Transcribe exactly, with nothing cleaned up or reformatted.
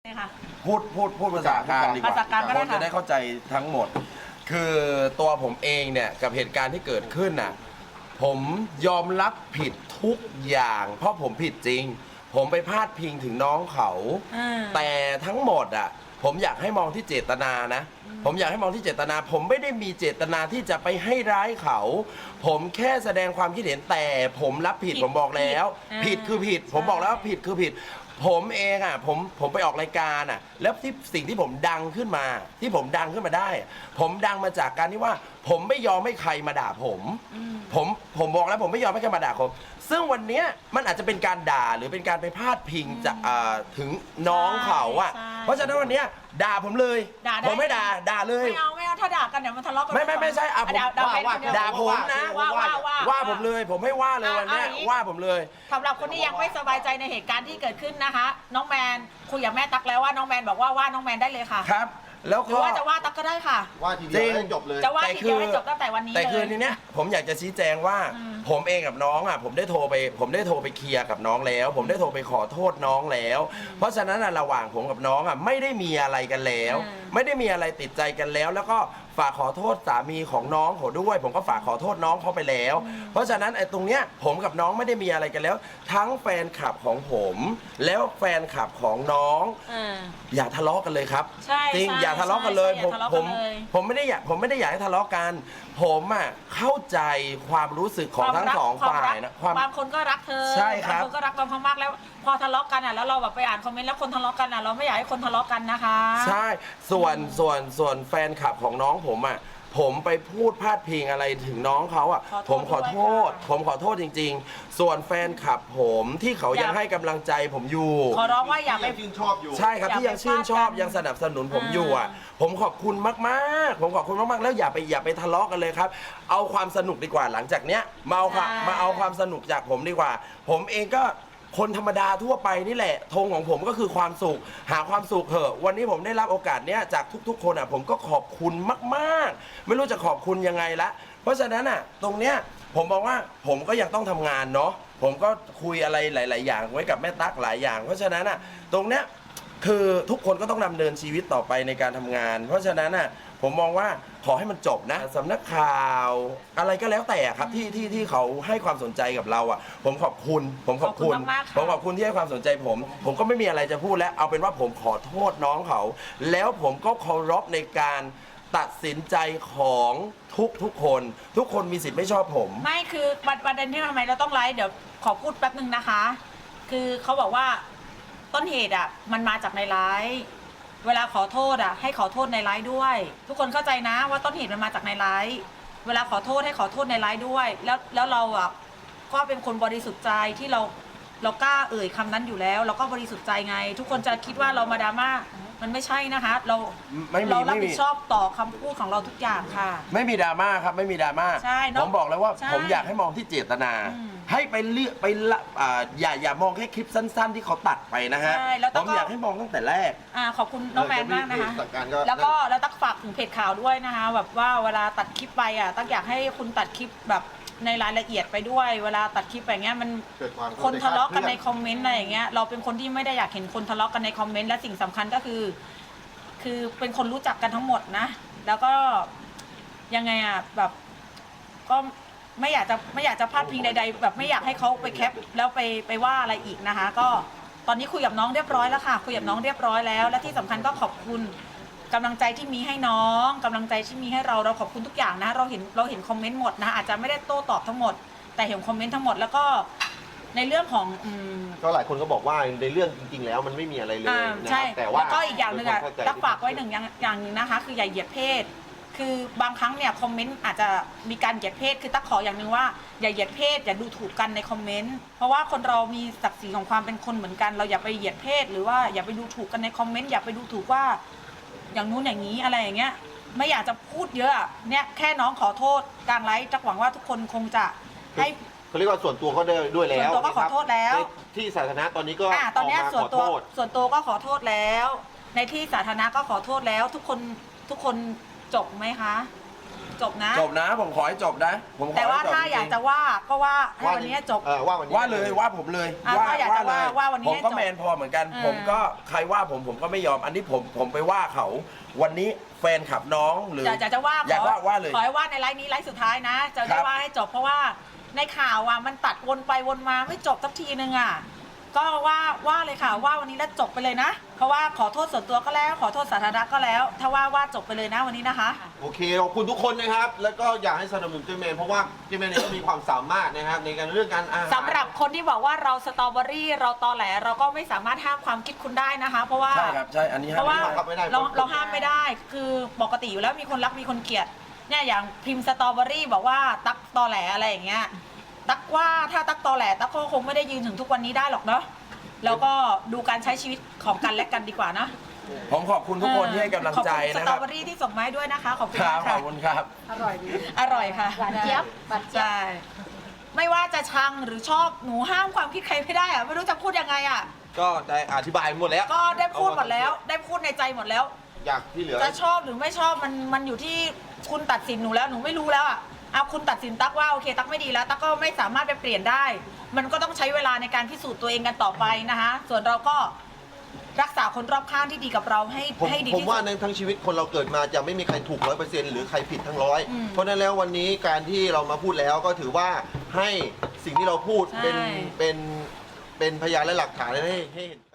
พูดพูดพูดภาษากลางดีกว่าภาษากลางก็ได้คนจะได้เข้าใจทั้งหมด คือตัวผมเองเนี่ยกับเหตุการณ์ที่เกิดขึ้นน่ะผมยอมรับผิดทุกอย่าง เพราะผมผิดจริง ผมไปพาดพิงถึงน้องเขา แต่ทั้งหมดอ่ะผมอยากให้มองที่เจตนานะ ผมอยากให้มองที่เจตนา ผมไม่ได้มีเจตนาที่จะไปให้ร้ายเขา ผมแค่แสดงความคิดเห็นแต่ผมรับผิดผมบอกแล้ว ผิดคือผิด ผมบอกแล้วว่าผิดคือผิด ผมเองอ่ะผมผมไปออกรายการอ่ะแล้วที่สิ่งที่ผมดังขึ้นมา ที่ผมดังขึ้นมาได้ ผมดังมาจากการที่ว่า ผมไม่ยอมให้ใครมาด่าผม ผมผมบอกแล้วผมไม่ยอมให้ใครมาด่าผม ซึ่งวันเนี้ยมันอาจจะเป็นการด่าหรือเป็นการไปพาดพิงจากถึงน้องเขาอ่ะเพราะฉะนั้นวันเนี้ยด่าผมเลยผมไม่ด่าด่าเลยไม่เอาไม่เอาถ้าด่ากันเดี๋ยวมันทะเลาะกันไม่ไม่ไม่ใช่อ่ะผมด่าผมนะว่าว่าว่าว่าผมเลยผมให้ว่าเลยวันนี้ว่าผมเลยสำหรับคนที่ยังไม่สบายใจในเหตุการณ์ที่เกิดขึ้นนะคะน้องแมนคุยกับแม่ตั๊กแล้วว่าน้องแมนบอกว่าว่าน้องแมนได้เลยค่ะครับแล้วก็ว่าจะว่าตั๊กก็ได้ค่ะว่าทีเดียวให้จบเลยจะว่าทีเดียวให้จบตั้งแต่วันนี้เลยแต่คืนนี้เนี่ยผมอยากจะชี้แจงว่าผมเองกับน้องอ่ะผมได้โทรไปผมได้โทรไปเคลียร์กับน้องแล้ว ผมได้โทรไปขอโทษน้องแล้ว เพราะฉะนั้นระหว่างผมกับน้องอ่ะไม่ได้มีอะไรกันแล้ว ไม่ได้มีอะไรติดใจกันแล้ว แล้วก็ฝากขอโทษสามีของน้องเขาด้วยผมก็ฝากขอโทษน้องเขาไปแล้ว เพราะฉะนั้นไอ้ตรงเนี้ยผมกับน้องไม่ได้มีอะไรกันแล้ว ทั้งแฟนคลับของผม แล้วแฟนคลับของน้องอย่าทะเลาะกันเลยครับจริงอย่าทะเลาะกันเลยผมผมผมไม่ได้อยากผมไม่ได้อยากให้ทะเลาะกันผมอ่ะเข้าใจความรู้สึกของทั้งสองฝ่ายนะบางคนก็รักเธอใช่ครับบางคนก็รักเรามากๆแล้วพอทะเลาะกันอ่ะแล้วเราแบบไปอ่านคอมเมนต์แล้วคนทะเลาะกันอ่ะเราไม่อยากให้คนทะเลาะกันนะคะใช่ส่วนส่วนส่วนแฟนคลับของน้องผมอ่ะผมไปพูดพาดพิงอะไรถึงน้องเขาอ่ะผมขอโทษผมขอโทษจริงๆส่วนแฟนคลับผมที่เขายังให้กำลังใจผมอยู่ขอร้องว่าอย่าไปชื่นชอบอยู่ใช่ครับที่ยังชื่นชอบยังสนับสนุนผมอยู่อ่ะผมขอบคุณมากๆผมขอบคุณมากๆแล้วอย่าไปอย่าไปทะเลาะกันเลยครับเอาความสนุกดีกว่าหลังจากเนี้ยมาเอามาเอาความสนุกจากผมดีกว่าผมเองก็คนธรรมดาทั่วไปนี่แหละธงของผมก็คือความสุขหาความสุขเถอะวันนี้ผมได้รับโอกาสเนี้ยจากทุกๆคนอ่ะผมก็ขอบคุณมากๆไม่รู้จะขอบคุณยังไงละเพราะฉะนั้นอ่ะตรงเนี้ยผมมองว่าผมก็ยังต้องทำงานเนาะผมก็คุยอะไรหลายๆอย่างไว้กับแม่ตั๊กหลายอย่างเพราะฉะนั้นอ่ะตรงเนี้ยคือทุกคนก็ต้องดำเนินชีวิตต่อไปในการทำงานเพราะฉะนั้นอ่ะผมมองว่าขอให้มันจบนะสำนักข่าวอะไรก็แล้วแต่ครับที่ที่ที่เขาให้ความสนใจกับเราอ่ะผมขอบคุณผมขอบคุณผมขอบคุณที่ให้ความสนใจผมผมก็ไม่มีอะไรจะพูดแล้วเอาเป็นว่าผมขอโทษน้องเขาแล้วผมก็เคารพในการตัดสินใจของทุกทุกคนทุกคนมีสิทธิ์ไม่ชอบผมไม่คือประเด็นที่ทำไมเราต้องไลฟ์เดี๋ยวขอพูดแป๊บนึงนะคะคือเขาบอกว่าต้นเหตุอ่ะมันมาจากในไลฟ์เวลาขอโทษอ่ะให้ขอโทษในไลฟ์ด้วย ทุกคนเข้าใจนะว่าต้นเหตุมันมาจากในไลฟ์เวลาขอโทษให้ขอโทษในไลฟ์ด้วยแล้วแล้วเราอ่ะก็เป็นคนบริสุทธิ์ใจที่เราเรากล้าเอ่ยคำนั้นอยู่แล้วเราก็บริสุทธิ์ใจไงทุกคนจะคิดว่าเรามาดราม่ามันไม่ใช่นะคะเราเรารับผิดชอบต่อคำพูดของเราทุกอย่างค่ะไม่มีดราม่าครับไม่มีดราม่าผมบอกแล้วว่าผมอยากให้มองที่เจตนาให้ไปเลือกไปละอย่าอย่ามองแค่คลิปสั้นๆที่เขาตัดไปนะฮะผมอยากให้มองตั้งแต่แรกอ่าขอบคุณน้องแมนมากนะคะแล้วก็แล้วตักฝากถึงเพจข่าวด้วยนะคะแบบว่าเวลาตัดคลิปไปอ่ะตักอยากให้คุณตัดคลิปแบบในรายละเอียดไปด้วยเวลาตัดคลิปอย่างเงี้ยมันคนทะเลาะกันในคอมเมนต์อะไรอย่างเงี้ยเราเป็นคนที่ไม่ได้อยากเห็นคนทะเลาะกันในคอมเมนต์และสิ่งสำคัญก็คือคือเป็นคนรู้จักกันทั้งหมดนะแล้วก็ยังไงอ่ะแบบก็ไม่อยากจะไม่อยากจะพลาดพิงใดๆแบบไม่อยากให้เขาไปแคปแล้วไปไปว่าอะไรอีกนะคะก็ตอนนี้คุยกับน้องเรียบร้อยแล้วค่ะคุยกับน้องเรียบร้อยแล้วและที่สำคัญก็ขอบคุณกำลังใจที่มีให้น้องกำลังใจที่มีให้เราเราขอบคุณทุกอย่างนะเราเห็นเราเห็นคอมเมนต์หมดนะอาจจะไม่ได้โต้ตอบทั้งหมดแต่เห็นคอมเมนต์ทั้งหมดแล้วก็ในเรื่องของก็หลายคนก็บอกว่าในเรื่องจริงๆแล้วมันไม่มีอะไรเลยนะแต่ว่าแล้วก็อีกอย่างหนึ่งอะตักฝากไว้หนึ่งอย่างหนึ่งนะคะคืออย่าเหยียดเพศคือบางครั้งเนี่ยคอมเมนต์อาจจะมีการเหยียดเพศคือตักขออย่างหนึ่งว่าอย่าเหยียดเพศอย่าดูถูกกันในคอมเมนต์เพราะว่าคนเรามีศักดิ์ศรีของความเป็นคนเหมือนกันเราอย่าไปเหยียดเพศหรือว่าอย่าไปดูถูกกันในคอมเมนต์อย่าไปดูถูกว่าอย่างนู้นอย่างนี้อะไรอย่างเงี้ยไม่อยากจะพูดเยอะเนี่ยแค่น้องขอโทษกลางไลฟ์จักหวังว่าทุกคนคงจะให้เขาเรียกว่าส่วนตัวเขาได้ด้วยแล้วส่วนตัวก็ขอโทษแล้วที่สาธารณะตอนนี้ก็ตอนนี้ส่วนตัวส่วนตัวก็ขอโทษแล้วในที่สาธารณะก็ขอโทษแล้วทุกคนทุกคนจบไหมคะจบนะจบนะผมขอให้จบนะผมขอแต่ว่าให้จบถ้าจริงๆอยากจะว่าก็ว่าให้วันนี้จบเออว่าวันนี้ว่าเลยว่าผมเลยอ่ะถ้าอยากจะว่าว่าวันนี้ผมให้ก็จบแมนพอเหมือนกันเออผมก็ใครว่าผมผมก็ไม่ยอมอันนี้ผมผมไปว่าเขา วันนี้แฟนขับน้องหรือจะจะจะว่าอยากขอว่าว่าเลยขอให้ว่าในไลฟ์นี้ไลฟ์สุดท้ายนะ จะครัจะบว่าให้จบเพราะว่าในข่าวอ่ะมันตัดวนไปวนมาไม่จบสักทีนึงอ่ะก็ว่าว่าเลยค่ะว่าวันนี้แล้วจบไปเลยนะ เพราะว่าขอโทษส่วนตัวก็แล้ว ขอโทษสาธารณะก็แล้ว ถ้าว่าว่าจบไปเลยนะวันนี้นะคะโอเคขอบคุณทุกคนนะครับ แล้วก็อยากให้สนับสนุนเจมนเพราะว่าเจมนเนี่ยก็มีความสามารถนะครับในการเรื่องการอาหารสำหรับคนที่บอกว่าเราสตรอเบอรี่เราตอแหลเราก็ไม่สามารถห้ามความคิดคุณได้นะคะ เพราะว่าใช่ครับใช่อันนี้เพราะว่าห้ามครับไม่ได้เราเราห้ามไม่ได้ คือปกติอยู่แล้วมีคนรักมีคนเกลียดเนี่ยอย่างพิมพ์สตรอเบอรี่บอกว่าตักตอแหลอะไรอย่างเงี้ยตักว่าถ้าตักตอแหลตักก็คงไม่ได้ยืนถึงทุกวันนี้ได้หรอกเนาะแล้วก็ดูการใช้ชีวิตของกันและกันดีกว่านะผมขอบคุณทุกคนที่ให้กำลังใจขอบคุณสนะตครอรับเบอรี่ที่ส่งมาให้ด้วยนะคะขอบคุณครับมากขค่ะอบคุณครับอร่อยดีอร่อยค่ะหวานเจี๊ยบหวานเจี๊ยบใช่ไม่ว่าจะชังหรือชอบหนูห้ามความคิดใครไม่ได้อะไม่รู้จะพูดยังไงอะก็ได้อธิบายหมดแล้วก็ได้พูดหมดแล้ว ได้พูดในใจหมดแล้วอยากที่เหลือจะชอบหรือไม่ชอบมันมันอยู่ที่คุณตัดสินหนูแล้วหนูไม่รู้แล้วอ่ะเอาคุณตัดสินตักว่าโอเคตักไม่ดีแล้วตักก็ไม่สามารถไปเปลี่ยนได้ มันก็ต้องใช้เวลาในการพิสูจน์ตัวเองกันต่อไปนะคะส่วนเราก็รักษาคนรอบข้างที่ดีกับเราให้ผมให้ดีผมที่ว่าสุดในทั้งชีวิตคนเราเกิดมาจะไม่มีใครถูกร้อยเปอร์เซ็นต์หรือใครผิดทั้งร้อยอืมเพราะฉะนั้นแล้ววันนี้การที่เรามาพูดแล้วก็ถือว่าให้สิ่งที่เราพูดเป็นใช่เป็นเป็นพยานและหลักฐานให้ให้เห็น